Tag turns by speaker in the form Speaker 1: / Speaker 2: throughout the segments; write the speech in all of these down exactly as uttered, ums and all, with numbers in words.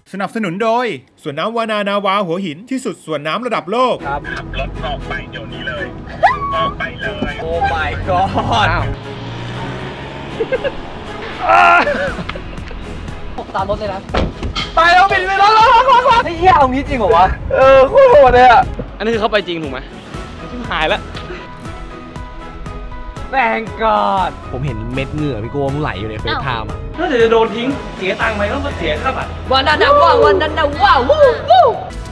Speaker 1: สนับสนุนโดยสวนน้ำวานานาวาหัวหินที่สุดสวนน้ำระดับโลกครับขับรถออกไปเดี๋ยวนี้เลยออกไปเลยโอ้ my god
Speaker 2: ตามรถเลยนะ
Speaker 3: ไปแล้วปิดไปแล้วแล้วแล้วแล้ว
Speaker 2: ไอ้เหี้ยเอางี้จริงเหรอวะ
Speaker 3: เออโคตรโหดเลยอ่ะ
Speaker 4: อันนี้คือเขาไปจริงถูกไหมชิบหายแล้ว
Speaker 2: แม่งกอด
Speaker 3: ผมเห็นเม็ดเหงื่อพี่โก้มันไหลอยู่ในเฟซไทม์
Speaker 4: ถ้าจะโดนทิ้งเสียตังค์ไหมต้องมาเสียค่าบัตร
Speaker 2: วันนั้นนะว่าวันนั้นนะว่าวู้วู้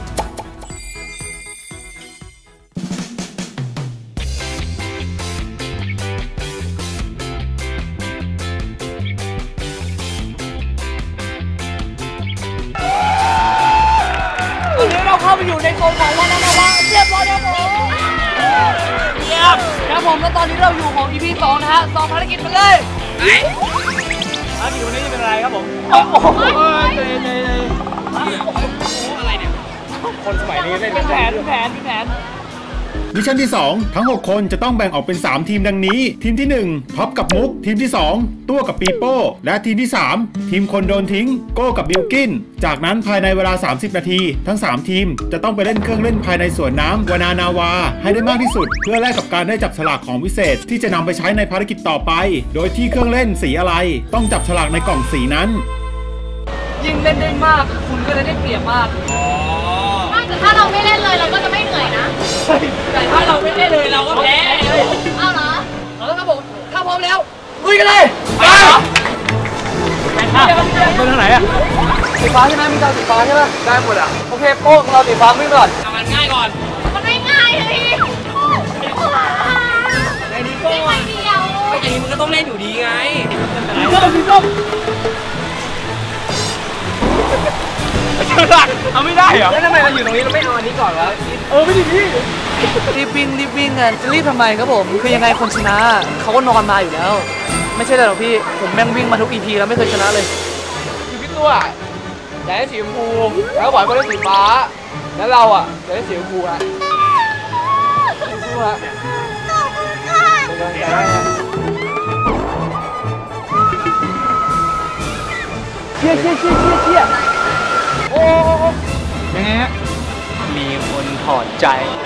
Speaker 2: ตอนนี้เราเข้าไปอยู่ในโซนของวันนั้นนะว่าเรียบร้อยแล้วผมเยี่ยมครับผมแล้วตอนนี้เราอยู่ของ อี พี สองนะฮะสองภารกิจมาเลย
Speaker 4: ภารกิจวันนี้จะเป็นอะไรครับผม
Speaker 2: โอ้โห
Speaker 4: อะไรเนี่ยคนสมัยนี้เล่น
Speaker 2: เป็นแผนเป็นแผนเป็นแผน
Speaker 1: มิชชั่นที่สองทั้งหกคนจะต้องแบ่งออกเป็นสามทีมดังนี้ทีมที่หนึ่งท็อปกับมุกทีมที่สองตัวกับปีโป้และทีมที่สามทีมคนโดนทิ้งโก้กับบิลกินจากนั้นภายในเวลาสามสิบนาทีทั้งสามทีมจะต้องไปเล่นเครื่องเล่นภายในสวนน้ำวานานาวาให้ได้มากที่สุดเพื่อแลกกับการได้จับฉลากของวิเศษที่จะนำไปใช้ในภารกิจต่อไปโดยที่เครื่องเล่นสีอะไรต้องจับฉลากในกล่องสีนั้น
Speaker 2: ยิ่งเล่นได้มากคุณก็จะได้เปรียบมาก
Speaker 5: แต่ถ้าเราไม่เล่นเลยเราก็จะไม่เหนื่อยนะ
Speaker 2: แต่ถ้าเราไม่เล่นเลยเราก็แพ้
Speaker 5: เอาเหรอ
Speaker 2: เอาแล้วครับผมถ้าพร้อมแล้วลุยกันเลยไปเหรอ
Speaker 4: ไปทางไหนอะ
Speaker 2: สีฟ้าใช่ไหมมีดาวสีฟ้าใช่ไหมได้หมดอ่ะโอเคโป้งเราสีฟ้าวิ่งก่อน
Speaker 4: ทำมันง่ายก่อน
Speaker 5: มันไม่ง่ายเลย
Speaker 4: ในนี้ก็ไม่เดียวไอ้อย่างนี้มันก็ต้องเล่นอยู่ดีไง
Speaker 2: สีส้มสีส้ม
Speaker 4: หลักเอาไม่ได้เหรอ
Speaker 2: แล้วทำไมเราอยู่ตรงนี้เราไม่เอาอันนี้ก่อนวะ
Speaker 4: เออไม่ดีพี่
Speaker 2: รีบวิ่งรีบวิ่งกันจะรีบทำไมครับผมคือยังไงคนชนะเขาก็นอนมาอยู่แล้วไม่ใช่หรอกพี่ผมแม่งวิ่งมาทุก อี พีแล้วไม่เคยชนะเลย
Speaker 3: อยู่พี่ตัวอยากได้สีชมพูแล้วบอยก็ได้สีฟ้าแล้วเราอ่ะอยากได้สีชมพูอ่ะสู้ๆฮะ
Speaker 2: เชี่ยเชี่ยเชี่ยเชี่ยเชี่ยโอ้
Speaker 4: ยังไงฮะมีคนถอดใจ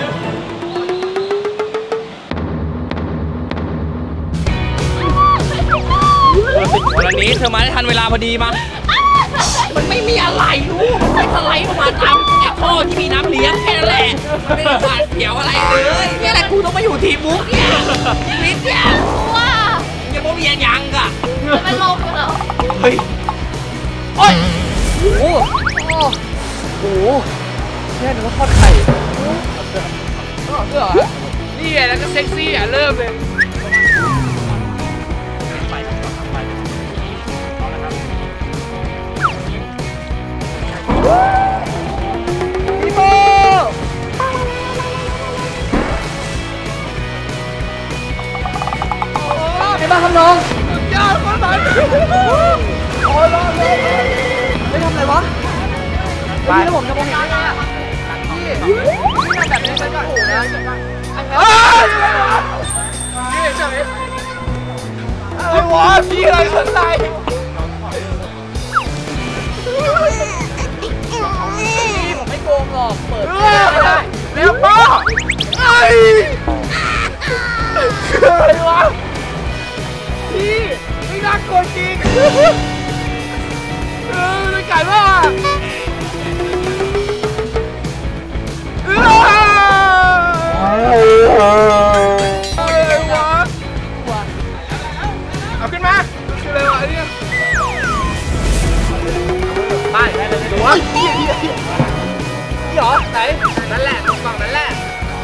Speaker 4: วันนี้เธอมาได้ทันเวลาพอดีมา
Speaker 2: มันไม่มีอะไรรู้ไม่สไลด์มาทำไอ้ท่อที่มีน้ำเลี้ยงแค่นั้นแหละไม่ได้หวาดเสียวอะไรเลยนี่แหละกูต้องมาอยู่ทีมมุกเนี่ยชีวิตเนี่ย
Speaker 5: ว้า
Speaker 2: ยังไม่มียังกะ
Speaker 5: จะเป็นลมเหรอ
Speaker 2: เฮ้ยโอ้ยโอ้โหโอ้โหแค่นึกว่าทอดไข่เสื้อเสื้อนี่ไงแล้วก็เซ็กซี่อ่ะเริ่มเลยพี่โบเป็นบ้าครับน้องยอดมากเลยโอ้ยรอเลยไม่ทำอะไรวะไปแล้วผมจะมองเห็นได้ไงอ่ะพี่พี่ทำแบบนี้ไปก่อนนะเฮ้ยนี่เฉยอะไรวะพี่อะไรข้างในผมไม่โกงหรอกเปิดไม่ได้แล้วป้าไอ้อะไรวะพี่ไม่น่ากลัวจริงเออไม่ไก่มากอะไรวะเอาขึ้นมาคืออะไรวะเนี่ยไปได้เลยตัวนี่เหรอไหนนั่นแหละตรงฝั่งนั่นแหละ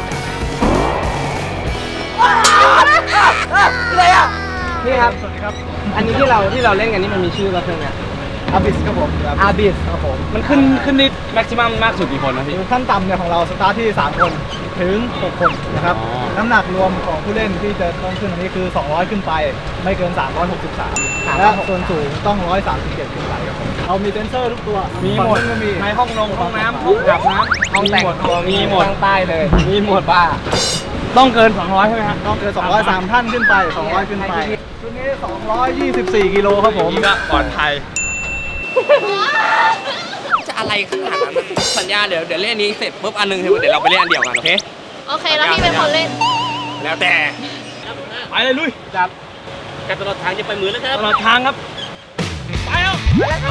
Speaker 2: อะไรอ่ะนี่ครับสวัสดีครับอันนี้ที่เราที่เราเล่นกันนี่มันมีชื่อว่าเครื่องเนี่ยอาบิสครับผมอาบิสครับผม
Speaker 4: มันขึ้นขึ้นนิดแม็กซิมัมมากสุดกี่คนนะพี่
Speaker 3: ขั้นต่ำเนี่ยของเราสตาร์ทที่สามคนถึงหกคนนะครับน้ำหนักรวมของผู้เล่นที่จะต้องขึ้นอันนี้คือสองร้อยขึ้นไปไม่เกินสามร้อยหกสิบสามและส่วนสูงต้องหนึ่งร้อยสามสิบเจ็ดขึ้นไปครับผมเรามีเซนเซอร์ทุกตัว
Speaker 4: มีหมดในห้องนงห้องน้ำห้องอาบน้ำห้องแต่งตัวมีหมด
Speaker 3: ทางใต้เลย
Speaker 4: มีหมดป้าต้องเกินสองร้อยใช่ไหมครับ
Speaker 3: ต้องเกินสองร้อยสามท่านขึ้นไปสองร้อยขึ้นไปชุดนี้สองร้อยยี่สิบสี่กิโลครับผม
Speaker 4: ก็ปลอดภัย
Speaker 2: จะ
Speaker 4: อะไรขนาดนั้นสัญญาเดี๋ยวเดี๋ยวเล่นนี้เสร็จปุ๊บอันนึงเดี๋ยวเราไปเล่นอันเดียวกันโอเค
Speaker 5: โอเคแล้วพี่เป็นคนเล่น
Speaker 4: แล้วแต่ไปเลยลุยจับการตลอดทางจะไปมือแล้วครับตลอดทางครับไปเอาไปแล้ว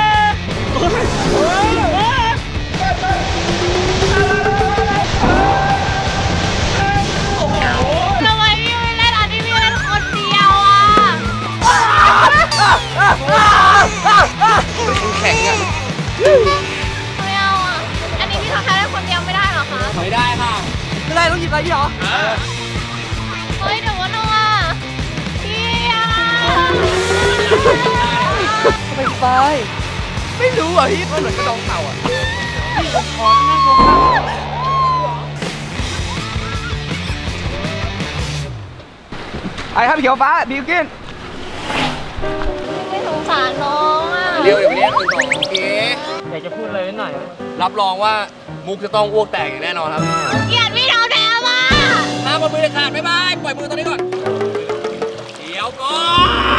Speaker 5: ทำไมพี่ไม่เล่นอันนี้พี่เล่นคนเดียวอ่ะ
Speaker 4: แข็งอ่ะ
Speaker 5: ไม่เอาอ่ะอันนี้พี่ทำแค่เล่นคนเดียวไม่ได้หรอคะ
Speaker 4: ไม่ได้ค่ะ
Speaker 2: ไม่ได้ต้องหยิบอะไรพี่หรอ
Speaker 5: เฮ้ยแต่ว่าน้องอ่ะพี่อ่ะ
Speaker 2: ไปไปไม่รู้อ่ะพี่มันเหมือนกระดองเต่าอ่ะพี่ผมขอนั่งลงไอ้ครับเขียวฟ้าบิวกิน
Speaker 5: ไม่สงสารน้องอ่ะ
Speaker 4: เร็วเดี๋ยวไปเรียกอื่นต่อโอเค
Speaker 2: อยากจะพูดอะไรนิดหน่อย
Speaker 4: รับรองว่ามุกจะต้องอ้วกแตกอย่างแน่นอนครับ
Speaker 5: เกลียดพี่เราแท้มา
Speaker 4: ห้ามมือเด็ดขาดบ๊ายบายปล่อยมือตรงนี้ก่อนเดี๋ยวก่อน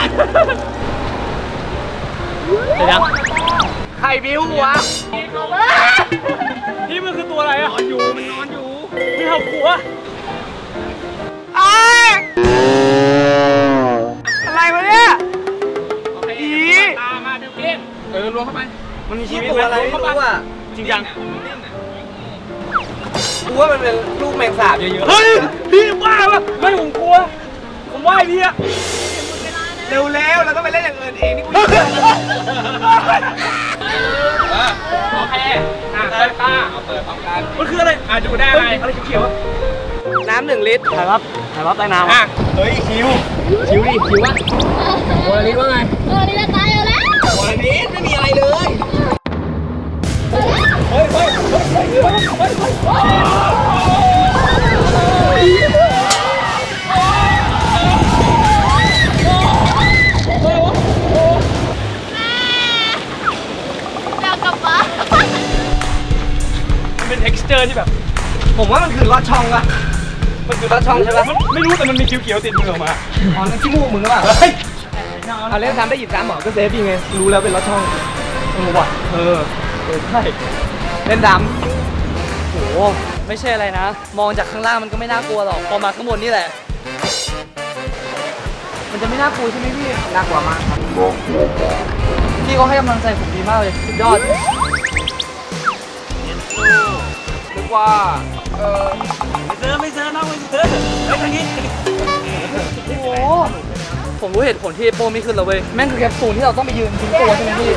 Speaker 2: เดี๋ยวใครบิ้ววะ
Speaker 4: นี่มันคือตัวอะไรอะนอนอยู่มันนอนอยู่
Speaker 2: ไม่เอาหัวอะไรวะเนี่ย
Speaker 4: อีตามาเดี๋ยวกินเออลวงเข้าไปมันมีชีวิต
Speaker 2: อะไรไม่รู้อ่ะ
Speaker 4: จริงจัง
Speaker 2: กูว่ามันเป็นลูกแมงสาบเยอะๆ
Speaker 4: เฮ้ยพี่ว่าปะไม่ผมกลัวผมว่าพี่อะ
Speaker 2: เร็วๆเราต้องไปเล่นอย่างอื่นเองนี่กู
Speaker 4: โอเคอ่ะเปิดตาเอาเปิดพร้อมกันมันคืออะไรอ่ะดูได้อะไรอะไรเขียว
Speaker 2: น้ำหนึ่งลิตร
Speaker 4: ถ่ายรับถ่ายรับใต้น้ำอ่ะเฮ้ยคิวคิวดิคิววะโมนาลิสว่าไง
Speaker 5: โมนาลิสตายแล้ว
Speaker 4: โมนาลิสไม่มีอะไรเลยเฮ้ยเฮ้ยเฮ้ยเฮ้ยเฮ้ยเฮ้ยเป็น texture ที่แบบ
Speaker 2: ผมว่ามันคือลอดช่องอะมันคือลอดช่องใช่ไหม
Speaker 4: ไม่รู้แต่มันมีเขียวๆติดมือออกมา
Speaker 2: อ๋อนั่นขี้มูกมึงหรือเปล่าเอาเล่นซ้ำได้หยิบซ้ำหมอก็เซฟยังไงรู้แล้วเป็นลอดช่องเออว่ะเออเออใช่เล่นดำโหไม่ใช่อะไรนะมองจากข้างล่างมันก็ไม่น่ากลัวหรอกพอมาข้างบนนี่แหละมันจะไม่น่ากลัวใช่ไหมพี่น่ากลัวมากครับพี่ก็ให้กำลังใจผมดีมากเลยสุดยอดนึกว่าเออ
Speaker 4: ไม่เจอไม่เจอน้องไม่เจอไอ้ทางนี้
Speaker 2: โอ้โหผมรู้เหตุผลที่โป้ไม่ขึ้นแล้วเว้ยแม่งคือแคปซูลที่เราต้องไปยืนทิ้งตัวใช่ไหมพี่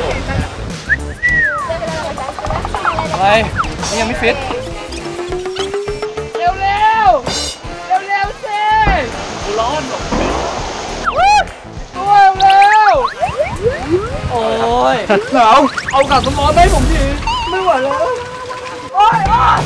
Speaker 2: อะไรนี่ยังไม่ฟิตเร็วเร็วเร็วเร็วสิ
Speaker 4: ร้อนหรอก
Speaker 2: ตัวเร็วโอ้ยหนาวเอากาสมองให้ผมทีไม่ไหวแล้วโอ้ยโอ้ย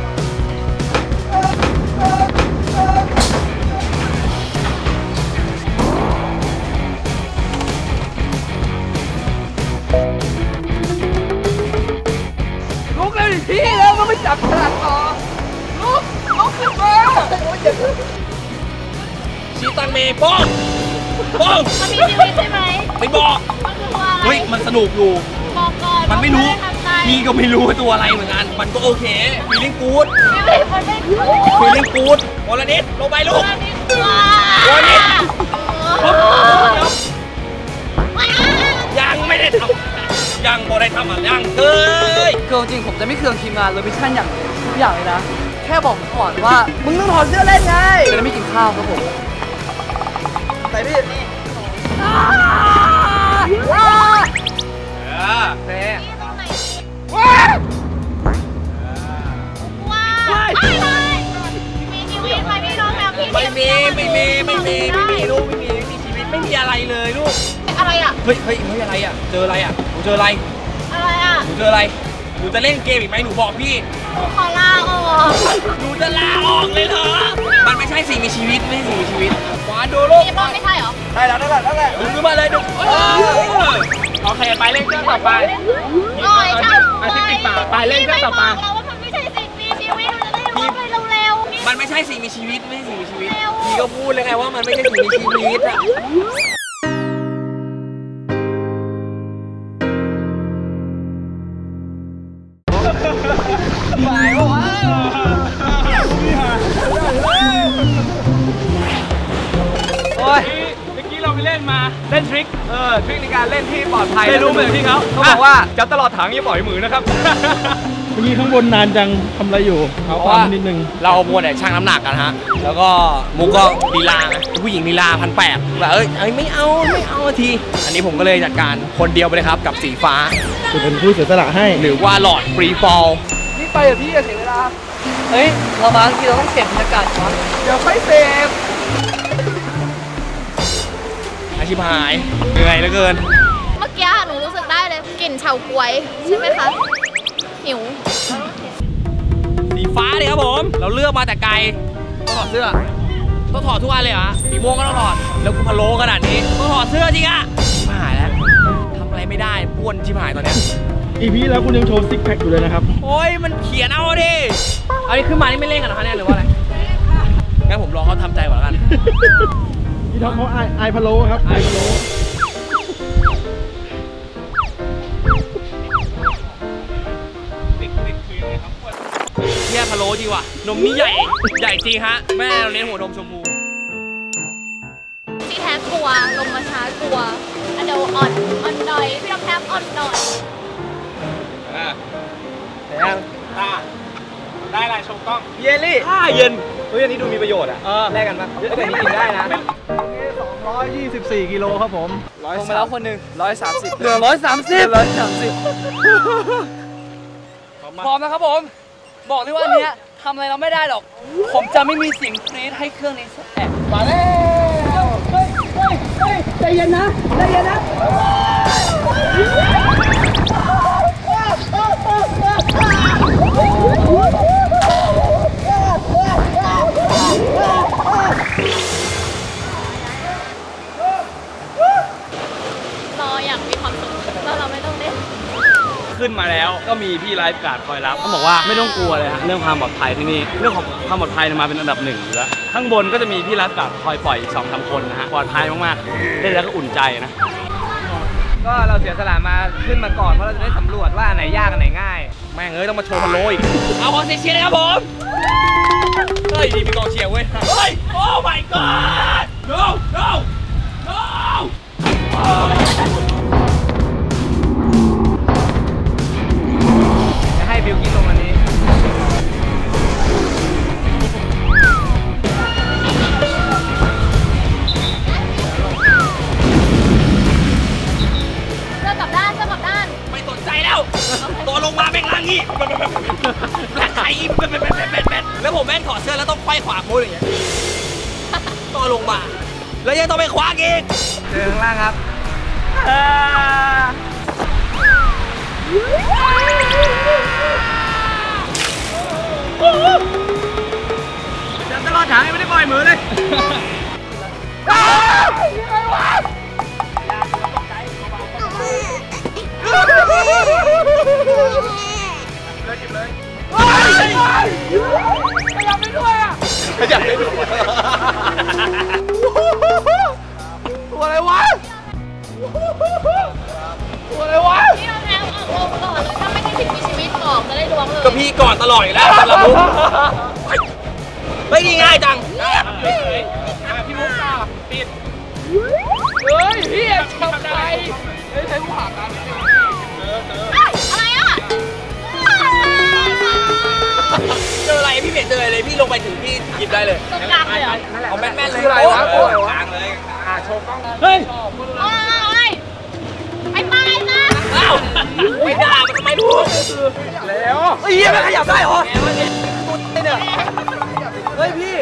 Speaker 2: ลุกเลยพี่แล้วก็ไม่จับขนาดต่อลุกลุกขึ้นมา
Speaker 4: ชีตังเมย์ป้องป้อง
Speaker 5: มันมีชีวิตใช่ไหม
Speaker 4: ไม่บอก
Speaker 5: มันคือตัวอะไร
Speaker 4: เฮ้ยมันสนุกอยู่
Speaker 5: บอกก่อน
Speaker 4: มันไม่รู้พี่ก็ไม่รู้ว่าตัวอะไรเหมือนกันมันก็โอเคฟีลลิ่งกู๊ดฟีลลิ่งกู๊ดโมลานิสลงไปลูกโมลานิสยังไม่ได้ทำยังบ่ได้ทำอ่ะยังเฮ้ย
Speaker 2: คือจริงผมจะไม่เคืองทีมงานเลยมิชชั่นอย่างทุกอย่างเลยนะแค่บอกผมก่อนว่ามึงต้องถอดเสื้อเล่นไงจะได้ไม่กินข้าวครับผมไปพี่เซ่
Speaker 5: ว้าวว้าวมีชีวิตไหมพี่น้องแบบพี่
Speaker 4: ไม่มีไม่มีไม่มีไม่มีลูกไม่มีไม่มีชีวิตไม่มีอะไรเลยลูก
Speaker 5: อะไรอ่ะ
Speaker 4: เฮ้ยเฮ้ยเฮ้ยอะไรอ่ะเจออะไรอ่ะหนูเจออะไร
Speaker 5: อะไรอ่ะ
Speaker 4: หนูเจออะไรหนูจะเล่นเกมอีกไหมหนูบอกพี่
Speaker 5: หนูขอลาออก
Speaker 4: หนูจะลาออกเลยเหรอมันไม่ใช่สิ่งมีชีวิตไม่ใช่สิ่งมีชีวิตขวาดูลูก
Speaker 5: พี่ป้อมไม่ใช่เหรอ
Speaker 2: ได้แล้วได้แล้วได้แล้ว
Speaker 4: ดึงขึ้นมาเลยดึงโอเคไปเล่นเครื่องต่อไป
Speaker 5: โอ้ยช่าง
Speaker 4: ไปติดปากไปเล่นเครื่องต่อไป
Speaker 5: เราว่ามันไม่ใช่สิ่งมีชีวิตเราจะได้รู้ไปเร็ว
Speaker 4: ๆมันไม่ใช่สิ่งมีชีวิตไม่ใช่สิ่งมีชีวิตพี่ก็พูดเลยไงว่ามันไม่ใช่สิ่งมีชีวิตอ่ะ
Speaker 2: หมายวะโอ้ยเมื่อกี้เราไปเล่นมาเล่นทริคเออทริคในการเล่นที่ปลอดภัยไม่รู้เหมือนที่เขาเขาบอกว่าจับตลอดถังอย่าปล่อยมือนะครับ
Speaker 3: เมื่อกี้ข้างบนนานจังทำอะไรอยู่เอาความนิดนึง
Speaker 4: เราเอามัวแต่ชั่งน้ำหนักกันฮะแล้วก็มุกก็ลีลาไงผู้หญิงลีลาพันแปดแบบเอ้ยเอ้ยไม่เอาไม่เอาทีอันนี้ผมก็เลยจัดการคนเดียวไปเลยครับกับสีฟ้า
Speaker 3: จะเป็นผู้เสียสละให้
Speaker 4: หรือว่าหลอดฟรีฟอล
Speaker 2: นี่ไปกับพี่อย่าเสียเวลาเฮ้ยเรามาทีเราต้องเสพบรรยากาศก่อนเดี๋ยวค่อยเสพ
Speaker 4: อาชีพหายเหนื่อยเหลือเกิน
Speaker 5: เมื่อกี้หนูรู้สึกได้เลยกลิ่นเฉาก๊วยใช่ไหมคะหิว
Speaker 4: สีฟ้าเลยครับผมเราเลือกมาแต่ไกลต้องถอดเสื้อต้องถอดทุกวันเลยเหรอสีม่วงก็ต้องถอดแล้วกูพะโล้ขนาดนี้ต้องถอดเสื้อจริงอะไม่หายแล้วทำอะไรไม่ได้ป้วนชิบหายตอนเนี้ย
Speaker 3: อีพีแล้วคุณยังโชว์ซิกแพคอยู่เลยนะครับ
Speaker 4: โอ้ยมันเขียนเอาดิเอานี่ขึ้นมานี่ไม่เล่นกันเหรอคะเนี่ยหรือว่าอะไรงั้นผมรอเขาทำใจก่อนแล้วกัน
Speaker 3: พี่ท็อปเขาไอพะโล้ครับไอพะโล้
Speaker 4: เที่ยพะโล้จริงว่ะนมนี่ใหญ่ใหญ่จริงฮะแม่เราเน้นหัวนมชมพู
Speaker 5: ที่แท้กลัวลงมาช้ากลัวอันเดียวอ่อนอ่อนหน่อยพี่ต้องแทบอ่อนหน่อย
Speaker 4: อ่าแต่ยังตาได้อะไรชมกล้อง
Speaker 2: เยลลี่
Speaker 4: อ่าเย็นเฮ้ยอันนี้ดูมีประโยชน์อ่ะ
Speaker 2: แลกกันปะเดี๋ยวนี้กินได้นะ
Speaker 3: สองร้อยยี่สิบสี่กิโลครับผม
Speaker 2: ลงมาแล้วคนหนึ่งร้อยสามสิบเหลือร้อยสามสิบร้อยสามสิบพร้อมนะครับผมบอกเลยว่าอันเนี้ยทำอะไรเราไม่ได้หรอกผมจะไม่มีเสียงกรี๊ดให้เครื่องนี้สักแอะมาแล้วเฮ้ยเฮ้ยเฮ้ยใจเย็นนะใจเย็นนะ
Speaker 5: รออย่างมีความสุขแล้วเราไม่ต้องเล่น
Speaker 4: ขึ้นมาแล้วก็มีพี่ไลฟ์การ์ดคอยรับเขาบอกว่าไม่ต้องกลัวเลยฮะเรื่องความปลอดภัยที่นี่เรื่องของความปลอดภัยมาเป็นอันดับหนึ่งอยู่แล้วข้างบนก็จะมีพี่ไลฟ์การ์ดคอยปล่อยอีกสองสามคนนะฮะปลอดภัยมากๆเล่นแล้วก็อุ่นใจนะ
Speaker 2: ก็เราเสียสละมาขึ้นมาก่อนเพราะเราจะได้สำรวจว่าไหนยากอันไหนง่าย
Speaker 4: แม่งเอ้ยต้องมาโชว์พะโล้อีกเอาขอเสียงเลยครับผมเฮ้ยดีมีกองเชียร์เว้ยเฮ้ยโอ้ my god no no no
Speaker 2: จะให้บิลกิ้นลงอันนี้
Speaker 5: เจอกลับด้านเจอกลับด้าน
Speaker 4: ไม่สนใจแล้วตัวลงมาแม่งล่างงี้แม่งไข่แล้วผมแม่งถอดเสื้อแล้วต้องไขว้ขวาโค้ดอย่างเงี้ยตัวลงมาแล้วยังต้องไปคว้าอีก
Speaker 2: เจอข้างล่างครับจะตลอดทางไม่ได้ปล่อยมือเลยเลยจิบเลยขยับได้ด้วยอ่ะ
Speaker 4: ขยับได้ด้วย
Speaker 2: ตัวอะไรวะตัวอะไรวะ
Speaker 5: พี่เราแทงออกลงก่อนเลยถ้าไม่ได้ผิดมีชีวิตบอกจะได้ล้วงเลย
Speaker 4: ก็พี่ก่อนตลอดอยู่แล้วเรามุกไม่ง่ายจัง
Speaker 2: พี่มุกตาปิดเฮ้ยพี่ทำใจเฮ้ยใช้ผู้หาการนิดนึง
Speaker 5: อะไรอ่ะ
Speaker 4: เจออะไรพี่เม็ดเจออะไรพี่ลงไปถึงพี่หยิบได้เลย
Speaker 5: ตรงกลางเลยเหรอ
Speaker 4: เอาแม่นๆเลย
Speaker 2: อะไรวะ
Speaker 4: กลางเลยอ่าโชว์กล้องเฮ้ย
Speaker 5: ไอ้ไปนะ
Speaker 4: อ้าวไม่ได้มันทำไมพูด
Speaker 2: แล้วเฮ้ยมันขยับได้เหรอเนี่ยเฮ้ยพี่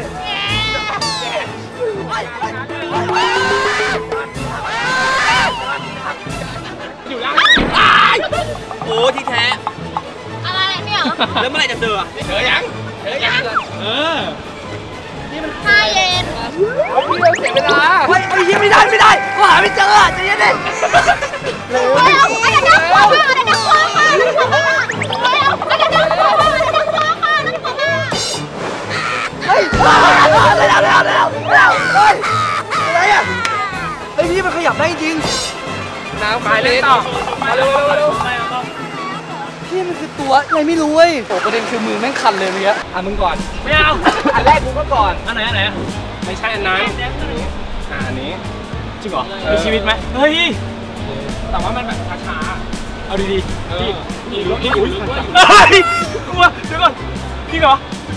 Speaker 4: อยู่ล่างโอ้ที่แท้
Speaker 5: อะไรเนี่ย
Speaker 4: แล้วเมื่อไหร่จะเจอเจอยังเจอยังเออ
Speaker 5: นี่มันห้าเย็น
Speaker 2: พี่เราเสียเวลาเฮ้ยยังไม่ได้ไม่ได้ก็หาไม่เจอจะยังไง
Speaker 5: เร็วไอ้ดักไอ้ดักคอมาไอ้ดักคอมาไอ้ดักคอมาเร็วไอ้ดักคอมาไอ้ดักคอมาไอ้ดักคอมา
Speaker 2: เฮ้ยเร็วเร็วเร็วเร็วเร็วเฮ้ยอะไรอ่ะไอ้พี่มันขยับได้จริงน้ำไปเลยต่อมาเร็วเร็วเร็วพี่มันคือตัววะอะไรไม่รู้เว้ยโอ้ประเด็นคือมือแม่งคันเลยเมื่อกี้อ่ะมึงก่อนไม่เอาอันแรกกูก็ก่อนอันไหนอันไหนไม่ใช่อันนั้นอ่าอันนี้จริงเหรอมีชีวิตไหมเฮ้ยแต่ว่ามันแบบช้าๆเอาดีๆพี่พี่พี่อุ้ยเฮ้ยกลัวเดี๋ยวก่อนพี่เหรอ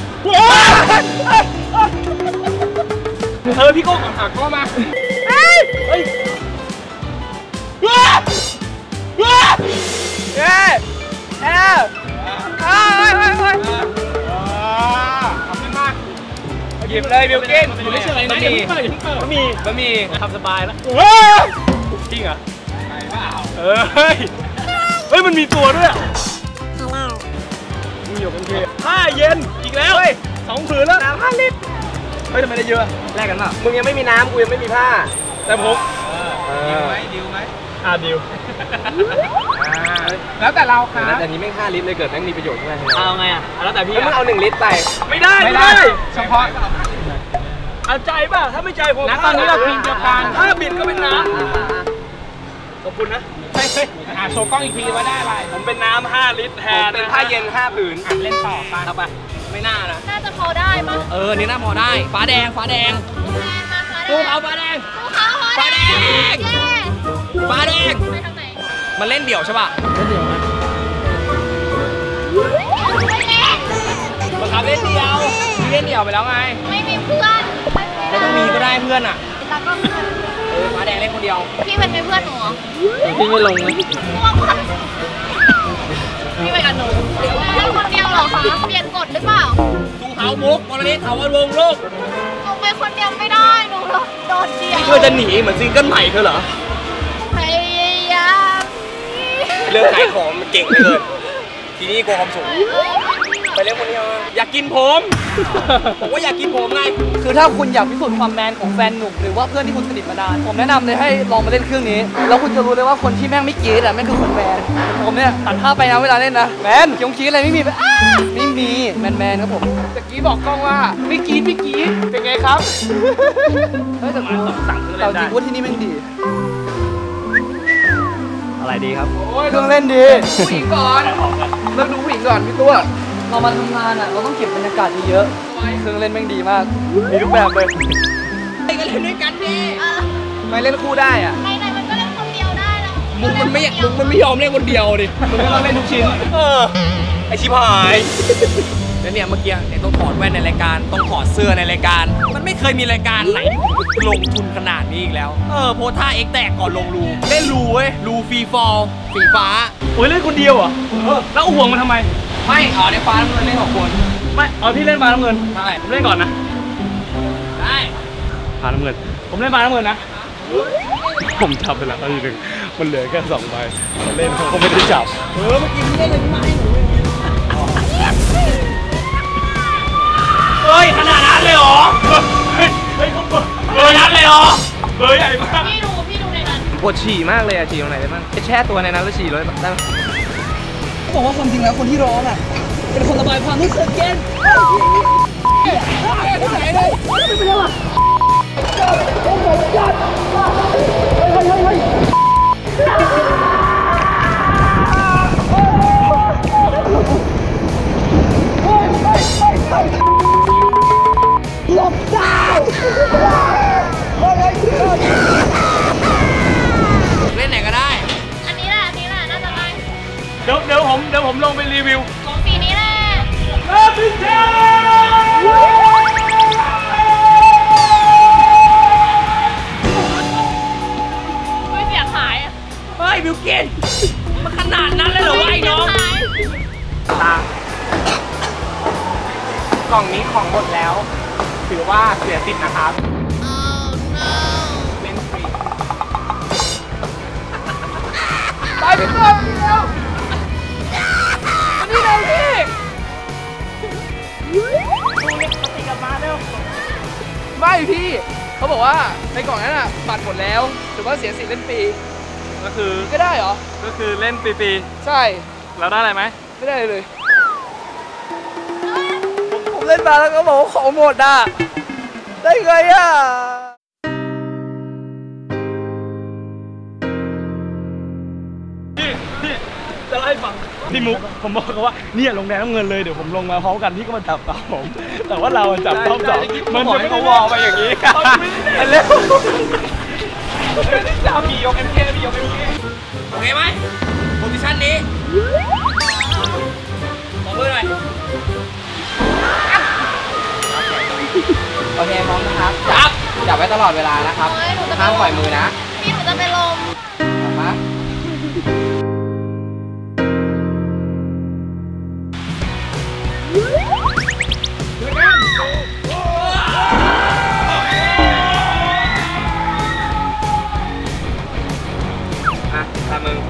Speaker 2: เออพี่โก้ก่อนหักก็มาเฮ้ยเฮ้ยเฮ้ยเฮ้ยเฮ้ยเฮ้ยเฮ้ยเฮ้ยเฮ้ยทำขึ้นมาหยิบเลยบิลกิ้นไม่ใช่อะไรนะอย่าเพิ่งเปิดอย่าเพิ่งเปิดบะหมี่บะหมี่ทำสบายแล้วจริงเหรอใช่เปล่าเออเฮ้ยเฮ้ยมันมีตัวด้วยมีอยู่เป็นเทผ้าเย็นอีกแล้วสองผืนแล้วน้ำห้าลิตรเฮ้ยทำไมได้เยอะแลกกันป่ะมึงยังไม่มีน้ำกูยังไม่มีผ้าแต่ผมดิวไหมดิวไหมอ่าดิวแล้วแต่เราค่ะแต่นี้ไม่ห้าลิตรเลยเกิดแม่งมีประโยชน์ใช่ไหมเอาไงอ่ะแล้วแต่พี่มึงเอาหนึ่งลิตรไปไม่ได้ไม่ได้เฉพาะเอาใจป่ะถ้าไม่ใจผมนะตอนนี้เราพิมพ์เดียวกันถ้าบิดก็เป็นน้ำขอบคุณนะเฮ้ยหาโชว์กล้องอีกทีว่าได้อะไรผมเป็นน้ำห้าลิตรแทนเป็นผ้าเย็นห้าผืนเล่นต่อไปเอาไปไม่น่านะ
Speaker 5: น่าจะพอได้มั้ง
Speaker 2: เออนี่น่าพอได้ฟ้าแดงฟ้าแดงภูเขาฟ้าแดง
Speaker 5: ภูเขา
Speaker 2: ฟ้าแดงฟ้าแดง
Speaker 5: ไปทางไหน
Speaker 2: มันเล่นเดี่ยวใช่ป่ะเล่นเดี่ยวนะบังคับเล่นเดี่ยวพี่เล่นเดี่ยวไปแล้วไง
Speaker 5: ไม่มีเพื่อน
Speaker 2: ไม่ต้องมีก็ได้เพื่อนอ่ะ
Speaker 5: ตาก็เพื่อน
Speaker 2: เออฟ้าแดงเล่นคนเดียว
Speaker 5: พี่เป็นเพื่อนหนูเหรอ
Speaker 2: พี่ไม่ลงเลย
Speaker 5: พี่ไปกับหนูเล่นคนเดียวเหรอคะเปลี่ยนกฎหรือเปล่า
Speaker 2: ดูเขามุกมรดกเขาวันวงโลก
Speaker 5: หนูไปคนเดียวไม่ได้หนูโดดเดี่ยว
Speaker 2: เธอจะหนีเหมือนซิงเกิลใหม่เธอเหรอ
Speaker 5: พยายาม
Speaker 2: เรื่องขายของมันเก่งเลยทีนี้กลัวความสูงไปเล่นคนเดียวอยากกินผมผมว่าอยากกินผมไงคือถ้าคุณอยากพิสูจน์ความแมนของแฟนหนุ่มหรือว่าเพื่อนที่คุณสนิทมานานผมแนะนำเลยให้ลองมาเล่นเครื่องนี้แล้วคุณจะรู้เลยว่าคนที่แม่งไม่กรี๊ดอ่ะแม่งคือคนแมนผมเนี่ยตัดภาพไปนะเวลาเล่นนะแมนยงกรี๊ดอะไรไม่มีไม่มีแมนแมนครับผมตะกี้บอกกล้องว่าไม่กรี๊ดไม่กรี๊ดเป็นไงครับเฮ้ยแต่กูสั่งเครื่องเล่นได้แต่จริงว่าที่นี่แม่งดีอะไรดีครับเครื่องเล่นดีผู้หญิงก่อนเริ่มดูผู้หญิงก่อนพี่ตัวเรามาทำงานอ่ะเราต้องเก็บบรรยากาศเยอะๆเครื่องเล่นแม่งดีมากมีทุกแบบเลยไปกันเล่นด้วยกันดิไม่เล่นคู่ได้อ่ะ
Speaker 5: ไม่ได้มันก็เล่นคนเดียวได้แล้ว
Speaker 2: มึงมันไม่มึงมันไม่ยอมเล่นคนเดียวดิมึงก็ต้องเล่นทุกชิ้นเออไอชิบหายแล้วเนี่ยเมื่อกี้เนี่ยต้องถอดแว่นในรายการต้องถอดเสื้อในรายการมันไม่เคยมีรายการไหนลงทุนขนาดนี้อีกแล้วเออโพท่าเอ็กแตกก่อนลงรูเล่นรูเว้ยรูฟรีฟอลสีฟ้า
Speaker 4: โอ้ยเล่นคนเดียวอ่ะแล้วห่วงมันทำไม
Speaker 2: ไม่อ๋อในฟ้าน้ำเงินเล่นสองคน
Speaker 4: ไม่เอาพี่เล่นฟ้าน้ำเงิน
Speaker 2: ใช่
Speaker 4: ผมเล่นก่อนนะ
Speaker 2: ได้
Speaker 4: ฟ้าน้ำเงินผมเล่นฟ้าน้ำเงินนะผมจับไปแล้วทีหนึ่งมันเหลือแค่สองใบเล่นเขาไม่ได้จับ
Speaker 2: เออเมื่อกี้พี่เล่นอะไรมาให้หนูเฮ้ยขนาดนั้นเลยเหรอ
Speaker 4: เฮ้ยเฮ้ยเขาเปิดเบอร์นั้นเลยเหรอเบอร์ใหญ่มาก
Speaker 5: พี่ดูพี่ดูในนั้น
Speaker 2: ปวดฉี่มากเลยอะฉี่ตรงไหนได้บ้างแช่ตัวในนั้นแล้วฉี่เลยได้ไหมเขาบอกว่าความจริงแล้วคนที่ร้องอ่ะเป็นคนระบายความรู้สึกเย็นหลบดาวเล่นไหนก็ได้
Speaker 5: อันนี้แหละอันนี้แหละน่าจะได้
Speaker 4: เดี๋ยวเดี๋ยวผมเดี๋ยวผมลงไปรีวิว
Speaker 5: ของสีนี้แหละ
Speaker 4: พี่เจ้า
Speaker 5: ไม่เสียหาย
Speaker 2: เฮ้ยบิวกิ้นมันขนาดนั้นเลยเหรอวะไอ้น้องตากล่องนี้ของหมดแล้วถือว่าเสียสิทธิ์นะครับเล่นฟรีตายไปตัวเดียวอันนี้เลยพี่ไม่พี่เขาบอกว่าในกล่องนั้นอ่ะบัตรหมดแล้วถือว่าเสียสิทธิ์เล่นฟรี
Speaker 4: ก็คือ
Speaker 2: ก็ได้เหรอ
Speaker 4: ก็คือเล่นฟรี
Speaker 2: ๆใช่
Speaker 4: แล้วได้อะไรไหม
Speaker 2: ไม่ได้เลยผมเล่นมาแล้วก็บอกว่าของหมดอ่ะได้ไงอ่ะ
Speaker 4: พี่พี่จะไล่ให้ฟังพี่มุกผมบอกเขาว่าเนี่ยลงแดงน้ำเงินเลยเดี๋ยวผมลงมาพร้อมกันพี่ก็มาจับตามผมแต่ว่าเราจับรอบสองมันจะไม่เขาวอลไปอย่างนี้เร็วจับมียกเอ็มเคมียกเอ็มเคโอเคไหมโพซิชั่นนี้ขอมือหน่อย
Speaker 2: โอเคพร้อมนะครับจับจับไว้ตลอดเวลานะครับห้ามปล่อยมือนะ
Speaker 5: พี่หนูจะไปลม
Speaker 2: มา
Speaker 4: ตามมือ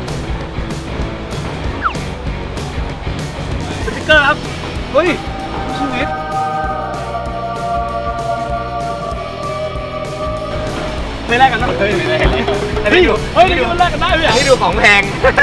Speaker 4: สติ๊กเกอร์ครับเฮ้ยชีวิตไม่แลกกันนะเฮ้ยไม่แลกกันเลยเฮ้ยเฮ้ยนี่มันแลกกันได้ไหมอ่ะ
Speaker 2: นี่ดูของแพง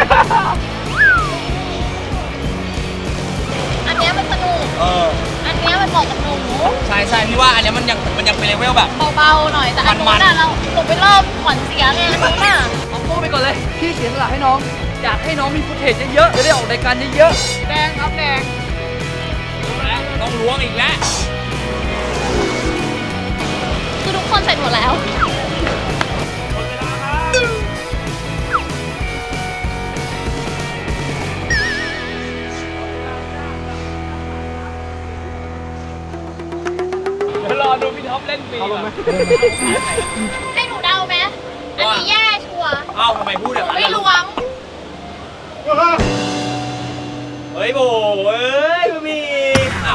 Speaker 5: อันนี้มันสนุกเอออันนี้มันเหมาะกับหนู
Speaker 4: ใช่ใช่พี่ว่าอันนี้มันยังมันยังเป็นเลเวลแบบ
Speaker 5: เบาๆหน่อยแต่อันนู้นน่ะเราหนูไปเริ่มขวัญเสียไงอันนู้นน่ะ
Speaker 2: เอาพูดไปก่อนเลยพี่เสียสละให้น้องอยากให้น้องมีฟุตเทจเยอะๆจะได้ออกรายการเยอะๆแดงครับแดง
Speaker 4: ต้องล้วงอีกแล้ว
Speaker 5: คือทุกคนเสร็จหมดแล้ว
Speaker 4: รอดูพี่ท็อปเล่นฟรี
Speaker 5: ให้หนูเดาไหมอันนี้แย่ชัวร์
Speaker 4: เอ้าทำไมพูดแบบนั้น
Speaker 5: ไม่ล้วง
Speaker 4: เฮ้ยโบเอ้ยมีอ้าว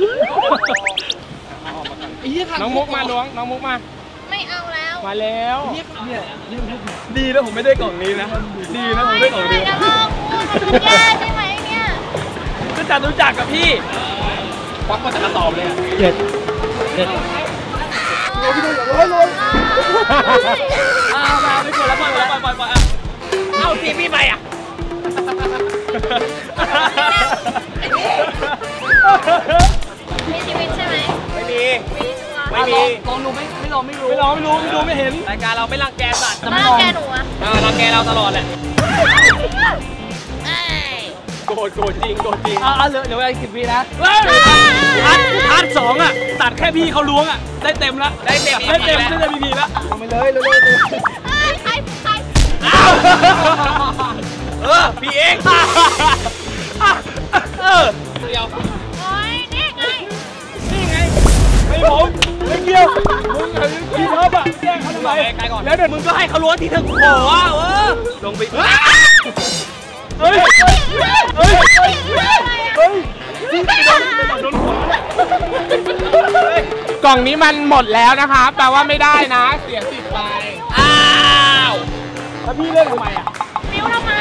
Speaker 4: น้องมุกมาล้วงน้องมุกมา
Speaker 5: ไม่เอาแล้ว
Speaker 4: มาแล้วดีนะผมไม่ได้กล่องนี้นะดีนะผมได้กล่องนี้
Speaker 5: จะลองมันแย่ใช่ไหมเนี่ย
Speaker 4: ก็จะรู้จักกับพี่ควักมาจากกระสอบเลยเจ็ดเจ็ด
Speaker 5: ร้อยร้อยร้อย
Speaker 4: อ้าวมาไม่กดแล้วปล่อยแล้วปล่อยปล่อยปล่อยเอาทีพี่ไปอ่ะ
Speaker 5: มีชีวิตใช่ไหม
Speaker 4: ไม่มีไม่มี
Speaker 2: ลองดูไม่ไม่ลองไม่รู้
Speaker 4: ไม่ลองไม่รู้ไม่ดูไม่เห็นรายการเราไม่รังแกสัตว์
Speaker 5: รังแกหนูอะ
Speaker 4: รังแกเราตลอดแหละโกรธโกรธจริงโกรธจริง
Speaker 2: อ่าเหลือเดี๋ยวไปสิบวินะ
Speaker 4: พาร์ทพาร์ทสองอ่ะตัดแค่พี่เขาล้วงอ่ะได้เต็มแล้วได้เต็มได้เต็มได้เต็มพีแล้ว
Speaker 2: ลงไปเลยเลยเลย
Speaker 5: ใครใคร
Speaker 4: เออพี่เองเออเดียว
Speaker 5: โอ้ยนี่ไง
Speaker 4: นี่ไงไม่ผมไม่เกี่ยวมึงพี่ท็อปอ่ะแจ้งเขาทำไมแล้วเดี๋ยวมึงก็ให้เขาล้วงที่เธอขอว่าเออลงไปเฮ้ยเฮ้ยเฮ้ยกล่องนี้มันหมดแล้วนะคะแปลว่าไม่ได้นะเสียสิบไปอ้าวแล้วพี่เล่นทำไมอ่ะ
Speaker 5: บิ้วทำไม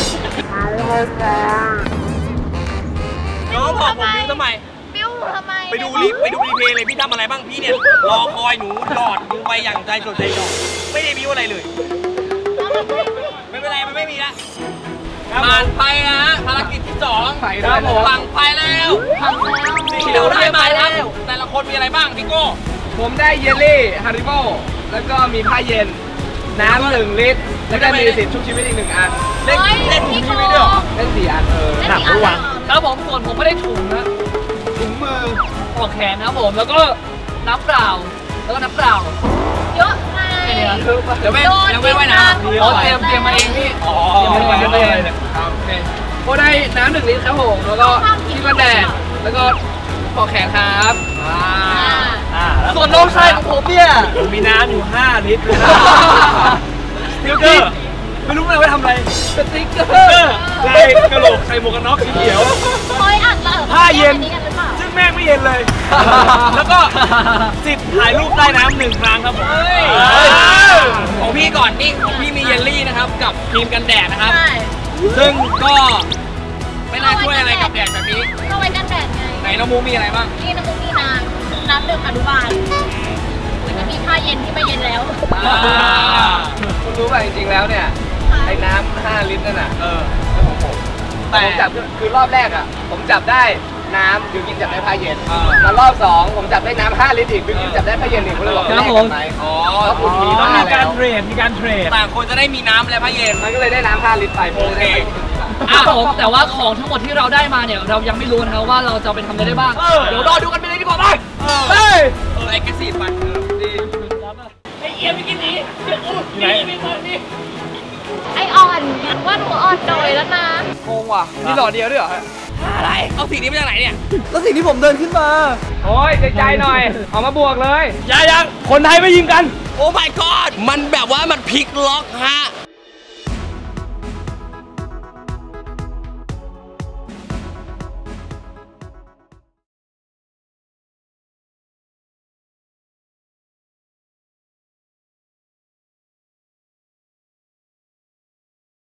Speaker 4: น้องบอกผมบิ้วทำไม
Speaker 5: บิ้วทำไม
Speaker 4: ไปดูรีไปดูรีเพลย์เลยพี่ทำอะไรบ้างพี่เนี่ยรอคอยหนูหลอดดูไปอย่างใจจดใจจ่อไม่ได้บิ้วอะไรเลยไม่เป็นไรมันไม่มีละผ่านไปนะฮะภารกิจที่สองฝั่งไปแล้วที่เราได้มาแล้วแต่ละคนมีอะไรบ้างพี่โก้
Speaker 2: ผมได้เยลลี่ฮาริโบแล้วก็มีผ้าเย็นน้ำหนึ่งลิตรแล้วก็มีสิทธิ์ชุบชีวิตอีกหนึ่งอัน
Speaker 4: เล่นเล่นชุบชีวิตด้วย
Speaker 2: เล่นสี่อันเออหนักระวังแล้วผมส่วนผมไม่ได้ถุงนะถุงมือปลอกแขนนะผมแล้วก็น้ำเปล่าแล้วก็น้ำเปล่า
Speaker 5: เยอะไง
Speaker 2: เดี๋ยวไม่ยังไม่ไว้นะเราเตรียมเตรียมมาเองพี่อ๋อเตรียมมาเองครับโอเคก็ได้น้ำหนึ่งลิตรครับผมแล้วก็ที่กันแดดแล้วก็ปลอกแขนครับอ่าส่วนน้องชายของผมเนี่ย
Speaker 4: มีน้ำอยู่ห้าลิตรเลยนะสติ๊กเกอร์ไม่รู้เลยว่าทำอะไร
Speaker 2: สติ๊กเกอร์
Speaker 4: ลายกระโหลกใส่หมวกกันน็อกสีเขียว
Speaker 5: คอยอัดเรา
Speaker 4: ผ้าเย็นซึ่งแม่งไม่เย็นเลยแล้วก็สิทธิ์ถ่ายรูปใต้น้ำหนึ่งครั้งครับผมของพี่ก่อนนี่ของพี่มีเยลลี่นะครับกับครีมกันแดดนะครับซึ่งก็ไม่น่าช่วยอะไรกับแดดแบบนี้
Speaker 5: ก็ไว้กันแดดไง
Speaker 4: ไหนน้องมูมีอะไรบ้าง
Speaker 5: นี่น้องมูมีน้ำน้ำดื่มอนุบาลมันจะมีผ้าเย็นที่ไม่เย็นแล้ว
Speaker 2: คุณรู้ป่ะจริงๆแล้วเนี่ยไอ้น้ำห้าลิตรนั่นน่ะเออของผมแต่ผมจับคือรอบแรกอ่ะผมจับได้น้ำบิวกินจับได้ผ้าเย็นแล้วรอบสองผมจับได้น้ำห้าลิตรอีกบิวกินจับได้ผ้าเย็นอีกผมเลยบอกครับผมอ๋อคุณมีต้องมีการเทรดมีการเทรดต่างคนจะได้มีน้ำและผ้าเย็นมันก็เลยได้น้ำห้าลิตรไปโอเคอ่ะผมแต่ว่าของทั้งหมดที่เราได้มาเนี่ยเรายังไม่รู้นะครับว่าเราจะไปทำอะไรได้บ้างเดี๋ยวรอดูกันไปเลยดีกว่าไปเฮ้ยเออไอ้กระสีฟันดีไอ้เอียมไปกินนี้ไหนมีคนนี้
Speaker 5: ไออ่อนว่าหนูอ่อนหน่อยแล้วนะ
Speaker 2: งงว่ะมีหล่อเดียวด้วยเหรออะไรเอาสีนี้มาจากไหนเนี่ยแล้วสีที่ผมเดินขึ้นมาโอ้ยใจๆหน่อยเอามาบวกเลยยังยังคนไทยไม่ยิงกันโอ้ my god มันแบบว่ามันพลิกล็อกฮะ